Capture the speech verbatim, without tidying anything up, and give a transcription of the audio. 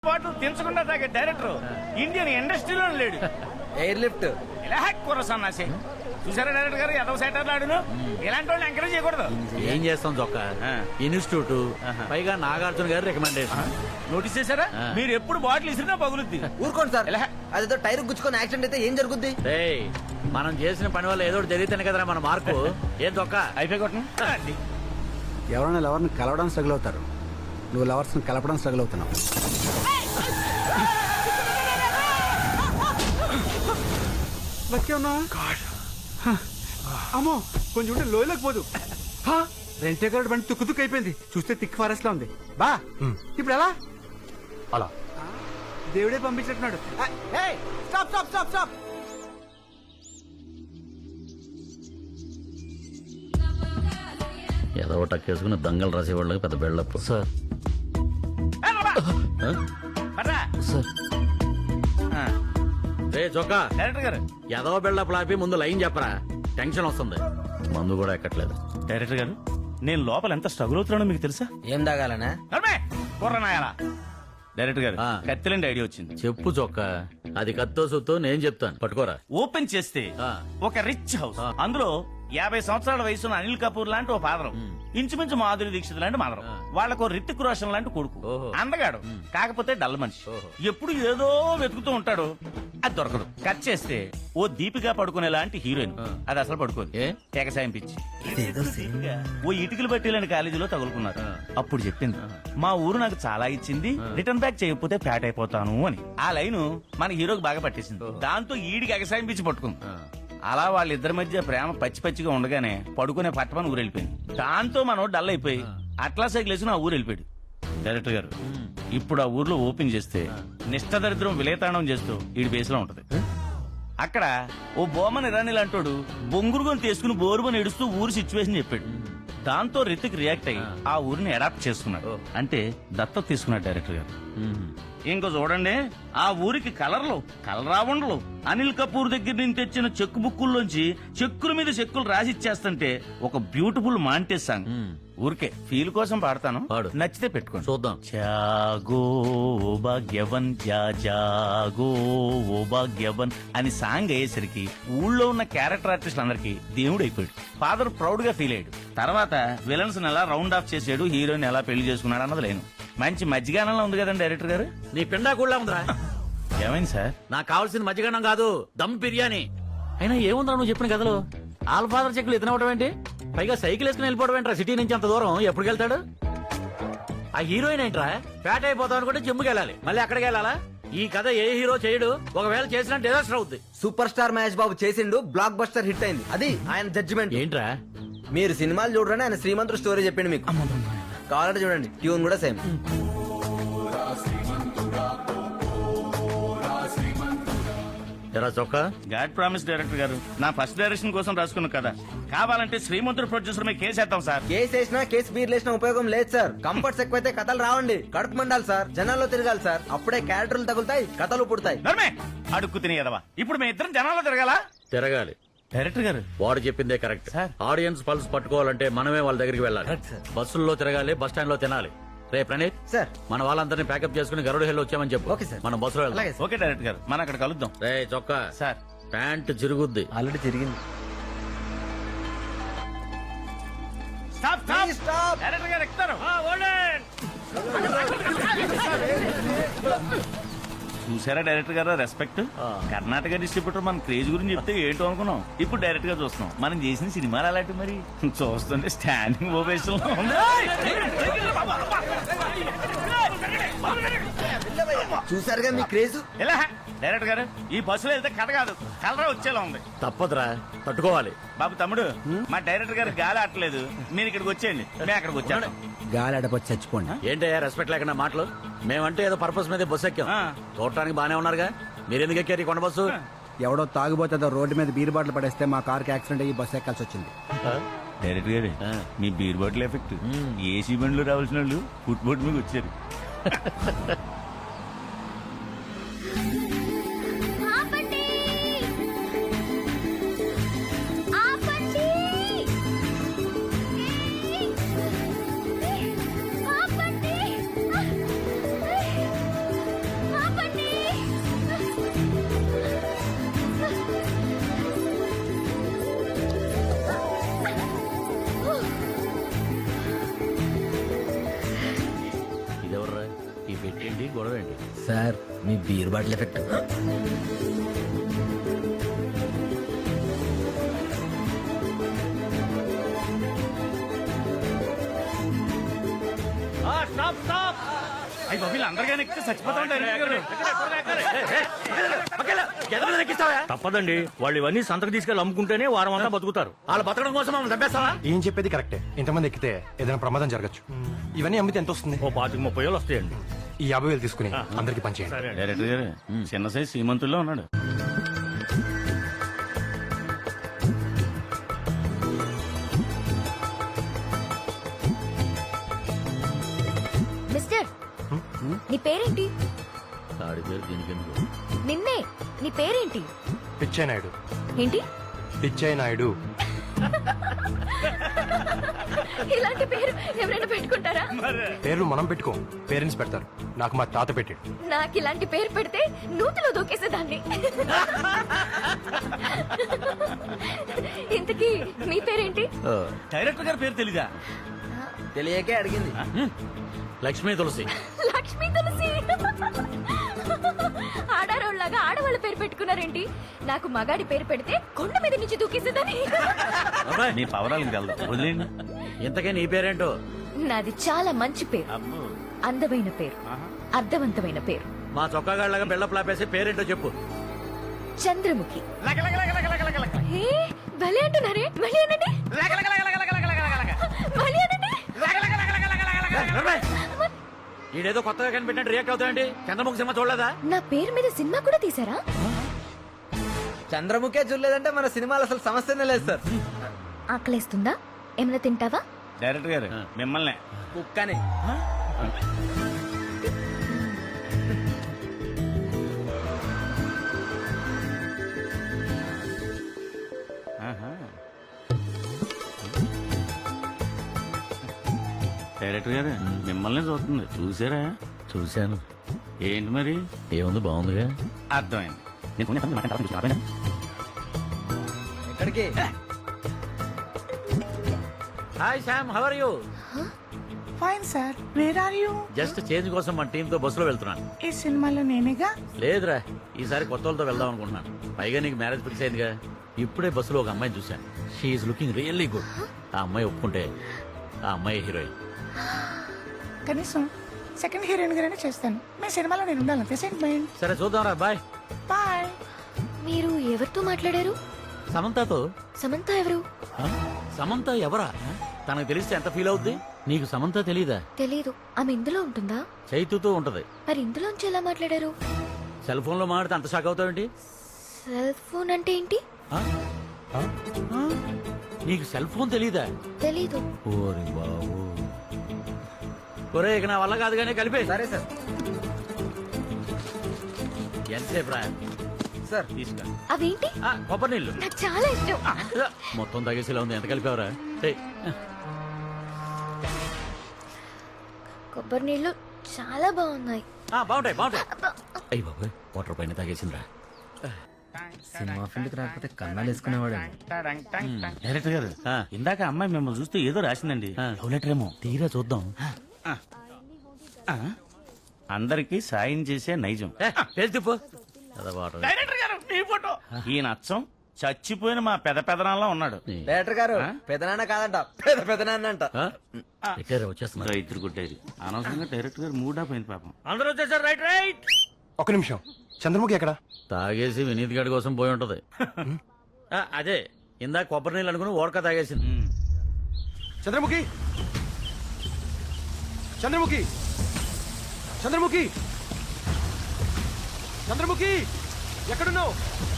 Bottle తెంచకుండా తాగే director Indian ఇండస్ట్రీలో లేడు. ఎయిర్ లిఫ్ట్ ఇలా కుర్ర సన్నాసి చూసారా డైరెక్టర్ గారు ఎదవ సెటర్లు ఆడును. ఇలాంటి వాళ్ళని ఎంకరేజ్ చేయకూడదు. ఏం చేస్తాం చొక్క ఇన్స్టిట్యూట్ పైగా నాగార్జున గారు రికమెండేషన్. నోటీస్ చేశారా? మీరు ఎప్పుడు బాటిల్ ఇసిరినా పగులుద్ది. ఊరుకోండి సార్, అదేదో టైర్ గుచ్చుకొని యాక్సిడెంట్ అయితే ఏం జరుగుద్ది? ఏయ్, మనం చేసిన పని వల్ల ఏదో జరిగితేనే కదరా మన మార్పు. ఏం చొక్క అయిపోయి కొట్టండి. ఎవరైనా లవర్ని కలవడం స్ట్రగుల్ అవుతారు, నువ్వు లవర్స్ ని కలపడం స్ట్రగుల్ అవుతున్నావు. అమ్మో కొంచెం ఉంటే లోయలోకి పోదు. రెంటే గారు బండి తుక్కు తుక్కు అయిపోయింది. చూస్తే థిక్ ఫారెస్ట్ లా ఉంది. బా ఇప్పుడు ఎలా? అలా దేవుడే పంపించినట్టున్నాడు. Stop stop stop stop. ఏదో టక్కేసుకుని దంగలు రాసేవాళ్ళకి పెద్ద బెళ్ళప్పు. సార్ సార్ రే చొక్క డైరెక్టర్ గారు ఏదో బెళ్ళప్పు లాపి ముందు లైన్ చెప్పరా, టెన్షన్ వస్తుంది. మందు కూడా ఎక్కట్లేదు. డైరెక్టర్ గారు నేను లోపల ఎంత స్ట్రగుల్ అవుతున్నానో మీకు తెలుసా? ఏం తాగాలనా? కుర్రనాయాలా డైరెక్టర్ గారు ఆ. కత్తిలండి ఐడియా వచ్చింది. చెప్పు చొక్క, అది కత్తో సుత్తో నేను చెప్తాను, పట్టుకోరా. ఓపెన్ చేస్తే ఆ. ఒక రిచ్ హౌస్, ఆ. అందులో యాభై సంవత్సరాల వయసున్న అనిల్ కపూర్ లాంటి ఓ ఫాదరం, ఇంచుమించు మాధురి దీక్షిత్ లాంటి మదరం, వాళ్ళకు రితిక్ రోషన్ లాంటి కొడుకు, ఓహో. అందగాడు కాకపోతే డల్ మనిషి, ఓహో. ఎప్పుడు ఏదో వెతుకుతూ ఉంటాడు, అది దొరకదు. కట్ చేస్తే ఓ దీపిగా పడుకునే లాంటి హీరోయిన్, ఆ. అది అసలు పడుకోదు, ఏ? తెగసాయం పిచ్చి. ఓ ఇటుకలు పట్టిలని కాలేజీలో తగులుకున్నారు. అప్పుడు చెప్పింది, మా ఊరు నాకు చాలా ఇచ్చింది, రిటర్న్ బ్యాక్ చేయకపోతే ఫ్యాట్ అయిపోతాను అని. ఆ లైను మన హీరోకి బాగా పట్టేసింది. దాంతో ఈడికి ఎగసాయం పిచ్చి పట్టుకుంది. అలా వాళ్ళిద్దరి మధ్య ప్రేమ పచ్చి పచ్చిగా ఉండగానే పడుకునే పట్టమని ఊరు వెళ్ళిపోయింది. దాంతో మనం డల్ అయిపోయి అట్లా సైకిల్ వేసి ఆ ఊరు వెళ్ళిపోయాడు. డైరెక్టర్ గారు ఇప్పుడు ఆ ఊర్లో ఓపెన్ చేస్తే నిష్టదరిద్రం విలేతాండం చేస్తూ ఈడి బేస్ లో ఉంటది. అక్కడ ఓ బోమన్ ఇరానీ లాంటోడు బొంగురుగొని తీసుకుని బోరుమని ఏడుస్తూ ఊరు సిచ్యువేషన్ చెప్పాడు. దాంతో రితిక్ రియాక్ట్ అయ్యి ఆ ఊరిని అడాప్ట్ చేసుకున్నాడు, అంటే దత్తత తీసుకున్నాడు డైరెక్టర్ గారు. ఇంకో చూడండి, ఆ ఊరికి కలర్లు కలరావండలు అనిల్ కపూర్ దగ్గర నుంచి తెచ్చిన చెక్కు బుక్కుల్లోంచి చెక్కుల మీద చెక్కులు రాసిచ్చేస్తుంటే ఒక బ్యూటిఫుల్ మాంటేజ్ సాంగ్. ఊరికే ఫీల్ కోసం పాడతాను, పాడు. నచ్చితే పెట్టుకోండి. చూద్దాం. జాగో ఓ భాగ్యవన్ జా జాగో ఓ భాగ్యవన్ అని సాంగ్ అయ్యేసరికి ఊళ్ళో ఉన్న క్యారెక్టర్ ఆర్టిస్ట్ అందరికి దేవుడు అయిపోయాడు. ఫాదర్ ప్రౌడ్ గా ఫీల్ అయ్యాడు. తర్వాత విలన్స్ ఎలా రౌండ్ ఆఫ్ చేసాడు, హీరోయిన్ ఎలా పెళ్లి చేసుకున్నాడు అన్నది లేను. మంచి మజ్జిగానంలో ఉంది కదండి డైరెక్టర్ గారు. నీ పిండా కూడా ఉందిరా. ఏమైంది సార్? నాకు కావాల్సింది మజ్జిగన్నం కాదు, దమ్ బిర్యానీ. అయినా ఏముందిరా నువ్వు చెప్పిన కథలో? ఆల్ ఫాదర్ చెక్కులు ఎత్తినవడం ఏంటి? పైగా సైకిల్ వేసుకుని వెళ్ళిపోవడం ఏంట్రా? సిటీ నుంచి అంత దూరం ఎప్పుడు వెళ్తాడు? ఆ హీరోయిన్ ఏంట్రా? ఫ్యాట్ అయిపోతాం అనుకుంటే జిమ్కి వెళ్ళాలి, మళ్ళీ అక్కడికి వెళ్ళాలా? ఈ కథ ఏ హీరో చేయడు, ఒకవేళ చేసినా డిజాస్టర్ అవుద్ది. సూపర్ స్టార్ మహేష్ బాబు చేసిండు, బ్లాక్ బస్టర్ హిట్ అయింది, అది ఆయన జడ్జిమెంట్. ఏంట్రా? మీరు సినిమాలు చూడరని ఆయన శ్రీమంతుడు స్టోరీ చెప్పిండు మీకు. కావాలంటే చూడండి, ట్యూన్ కూడా సేమ్. ఎరా చొక్క, గాడ్ ప్రామిస్ డైరెక్టర్ గారు, నా ఫస్ట్ డైరెక్షన్ కోసం రాసుకున్న కదా, కావాలంటే శ్రీమంతుడు ప్రొడ్యూసర్ మీద కేసేద్దాం సార్. కేసు వేసినా కేసు బీర్ లేసినా ఉపయోగం లేదు సార్. కంఫర్ట్స్ ఎక్కువైతే కథలు రావండి, కడుపు మండాలి సార్, జనాల్లో తిరగాలి సార్, అప్పుడే క్యారెక్టర్లు తగులుతాయి, కథలు పుడతాయి. నర్మే అడుక్కు తినేదవా, ఇప్పుడు మీ ఇద్దరం జనాల్లో తిరగాల? తిరగాలి. డైరెక్టర్ గారు వాడు చెప్పిందే కరెక్ట్. ఆడియన్స్ పల్స్ పట్టుకోవాలంటే మనమే వాళ్ళ దగ్గరికి వెళ్ళాలి. బస్సుల్లో తిరగాలి, బస్ స్టాండ్ లో తినాలి. రే ప్రణీత్ సార్, మన వాళ్ళందరినీ ప్యాకప్ చేసుకుని గరుడు హెల్ వచ్చామని చెప్పు. Okay sir. మనం బస్సులో వెళ్దాం. అలాగే సార్. ఓకే డైరెక్టర్ గారు, మనం అక్కడ కలుద్దాం. రే చొక్క, సార్ ప్యాంట్ చిరుగుద్ది. ఆల్రెడీ తిరిగింది. Stop Please stop. డైరెక్టర్ గారు ఎక్కుతారు. చూసారా డైరెక్టర్ గారు రెస్పెక్ట్? కర్ణాటక డిస్ట్రిబ్యూటర్ మన క్రేజ్ గురించి చెప్తే ఏంటో అనుకున్నాం, ఇప్పుడు డైరెక్ట్ గా చూస్తున్నాం. మనం చేసిన సినిమాలు అలాంటి మరి చూస్తుంటే స్టాండింగ్ ఓవేషన్ చూసారుగా మీ క్రేజ్. ఎలా డైరెక్టర్ గారు, ఈ బస్సులో వెళ్తే కథ కాదు కలరా వచ్చేలా ఉంది. తప్పదురా, తట్టుకోవాలి. బాబు తమ్ముడు, మా డైరెక్టర్ గారు గాలి ఆటలేదు, మీరు ఇక్కడికి వచ్చేయండి, మేము అక్కడికి వచ్చాను. గాలి అడపచ్చి చచ్చిపోండి. ఏంటయ్యా రెస్పెక్ట్ లేకుండా మాటలు? మేమంటే ఏదో పర్పస్ మీద బస్సు ఎక్కాం, ఆ. చూడటానికి బానే ఉన్నారుగా. మీరెందుకు ఎక్కారు ఈ కొండ బస్సు? ఎవడో తాగుబోతుందో రోడ్డు మీద బీరు బాటలు పడేస్తే మా కార్కి యాక్సిడెంట్ అయ్యి బస్సు ఎక్కాల్సి వచ్చింది. డైరెక్టర్ గారు, ఆ. మీ బీర్ బాటిల్ ఎఫెక్ట్ ఏసీ బండ్లు రావాల్సిన వాళ్ళు ఫుట్ బోట్ మీద వచ్చారు. ఆపండి! ఆపండి! ఆపండి! ఏంటి గొడవ ఏంటి? సార్ మీ beer bottle effect. Stop stop అయ్యి బాబు అందరికీ ఎక్కితే చచ్చిపోతా ఉంటారు తప్పదండి. వాళ్ళు ఇవన్నీ సంతకు తీసుకెళ్ళి అమ్ముకుంటేనే వారం అంతా బతుకుతారు. వాళ్ళు బతకడం కోసం మమ్మల్ని చంపేస్తావా? ఏం చెప్పేది కరెక్టే. ఇంతమంది ఎక్కితే ఏదైనా ప్రమాదం జరగచ్చు. ఇవన్నీ అమ్మితే ఎంత వస్తుంది? ఓ పాతికి ముప్పై వేలు వస్తాయండి. ఈ యాభై వేలు తీసుకుని అందరికి పంచేయండి. సరే డైరెక్టర్ గారు చిన్న సైజ్ శ్రీమంతుల్లో ఉన్నాడు. మిస్టర్ నీ పేరేంటి? ఆడి పేరు దీనికెందుకు? నిన్నే. నీ పేరేంటి? పిచ్చయ్య నాయుడు. ఏంటి? పిచ్చయ్య నాయుడు. ఇలాంటి పేరు ఎవరైనా పెట్టుకుంటారా? పేర్లు మనం పెట్టుకో, పేరెంట్స్ పెడతారు. నాకు మా తాత పెట్టాడు. నాకు ఇలాంటి పేరు పెడితే నూతిలో దూకేసేదాన్ని. ఇంతకీ మీ పేరేంటి? డైరెక్టర్ గారి పేరు తెలీదా? తెలియకే అడిగింది. లక్ష్మీ తులసి. లక్ష్మీ తులసి. ఆడారోళ్ళగా ఆడవాళ్ళ పేరు పెట్టుకున్నారేంటి? నాకు మగాడి పేరు పెడితే కొండ మీద నుంచి దూకేసేదాన్ని. మీ పవరాలకు తెలదు, వదిలేండి. ఇంతకే నీ పేరేంటో? నాది చాలా మంచి పేరు, అందమైన పేరు, అర్థవంతమైన పేరు. మా చొక్కాగాళ్ళగా బిల్డప్ లాపేసి పేరేంటో చెప్పు. చంద్రముఖి. ఏ, భలే అంటున్నారే. మళ్ళీ అనండి. మళ్ళీ అనండి. ఈడేదో కొత్తగా కనిపెట్టినట్టు రియాక్ట్ అవుతాయండి. చంద్రముఖి సినిమా చూడలేదా? నా పేరు మీద సినిమా కూడా తీసారా? చంద్రముఖే చూడలేదంటే మన సినిమాలు అసలు సమస్యనే లేదు సార్. ఆకలేస్తుందా? ఏమైనా తింటావా? డైరెక్టర్ గారు మిమ్మల్ని కుక్కని. డైరెక్టర్ గారు మిమ్మల్ని చూస్తుంది, చూసారా? చూశాను. ఏంటి మరి? ఏముంది, బాగుందిగా. అర్థమైంది. నేను కొన్ని పనులు మాట్లాడతాను, చూసి రాబోయేనా? ఎక్కడికి? Hi Sam, how are you? Fine sir, where are you? Just change కోసం మన టీమ్ తో బస్సులో వెళ్తున్నాను. ఈ సినిమాలో నేనేగా. లేదురా, ఈసారి కొత్త వాళ్ళతో వెళ్దాం అనుకుంటున్నాను. పైగా నీకు మ్యారేజ్ ఫిక్స్ అయిందిగా. ఇప్పుడే బస్సులో ఒక అమ్మాయిని చూశాను. She is looking really good. ఆ అమ్మాయి ఒప్పుకుంటే ఆ అమ్మాయి హీరోయిన్. కనీసం సెకండ్ హీరోయిన్ గానే చేస్తాను. మీ సినిమాలో నేను ఉండాలంతే సెంటిమెంట్. సరే చూద్దాం రా, బాయ్. బాయ్. మీరు ఎవరితో మాట్లాడారు? సమంతతో. సమంత ఎవరు? ఆ? సమంత ఎవరా? తనకు తెలిస్తే ఎంత ఫీల్ అవుద్ది? నీకు సమంత తెలీదా? తెలీదు. ఆమె ఇందులో ఉంటుందా? చైతుతో ఉంటది. మరి ఇందులోంచి ఎలా మాట్లాడారు? సెల్ ఫోన్ లో మాట్లాడితే అంత షాక్ అవుతావేంటి? సెల్ ఫోన్ అంటే ఏంటి? ఆ? ఆ? ఆ? నీకు సెల్ ఫోన్ తెలీదా? తెలీదు. ఓరి బాబు. ఒరే, ఇక నా వల్ల కాదు కానీ కలిపే. సరే సార్. ఎంతసేపు రా? సార్ తీసుకో. అవేంటి? ఆ, కొబ్బరి నీళ్ళు. నాకు చాలా ఇష్టం. మొత్తం తగేసేలా ఉంది. ఎంత కలిపావరా? ఏయ్, కొబ్బరి నీళ్ళు చాలా బాగున్నాయి. ఆ, బాగుంటాయి బాగుంటాయి. అయ్యి బాబు, వాటర్ పైన తాగేసిందిరా. సినిమా ఫీల్డ్కి రాకపోతే కన్నాలు వేసుకునేవాడు. డైరెక్టర్ గారు ఆ. ఇందాక అమ్మాయి మిమ్మల్ని చూస్తే ఏదో రాసిందండి. ఆ. లవ్ లెటర్ ఏమో. తీరా చూద్దాం. ఆ. అందరికి సాయం చేసే నైజం. ఏ, పేరు తిప్పు. కదా వాటర్. డైరెక్టర్ గారు మీ ఫోటో. ఈ నచ్చం చచ్చిపోయిన మా పెద పెదనాల్లో ఉన్నాడు. డైరెక్టర్ గారు ఆ? పెదనాన్న కాదంట, పెద పెదనాన్న అంట. ఆ? ఎక్కడ వచ్చేస్తున్నారు? ఇద్దరు కొట్టేది అనవసరంగా డైరెక్టర్ గారు మూడా పోయింది పాపం. అందరూ వచ్చేసారు. Right right. ఒక నిమిషం, చంద్రముఖి ఎక్కడ? తాగేసి వినీత్ గడి కోసం పోయి ఉంటది. ఆ, అదే ఇందాక కొబ్బరి నీళ్ళు అనుకుని ఓడక తాగేసింది. ఉమ్. చంద్రముఖి, చంద్రముఖి, చంద్రముఖి, చంద్రముఖి, ఎక్కడున్నావు?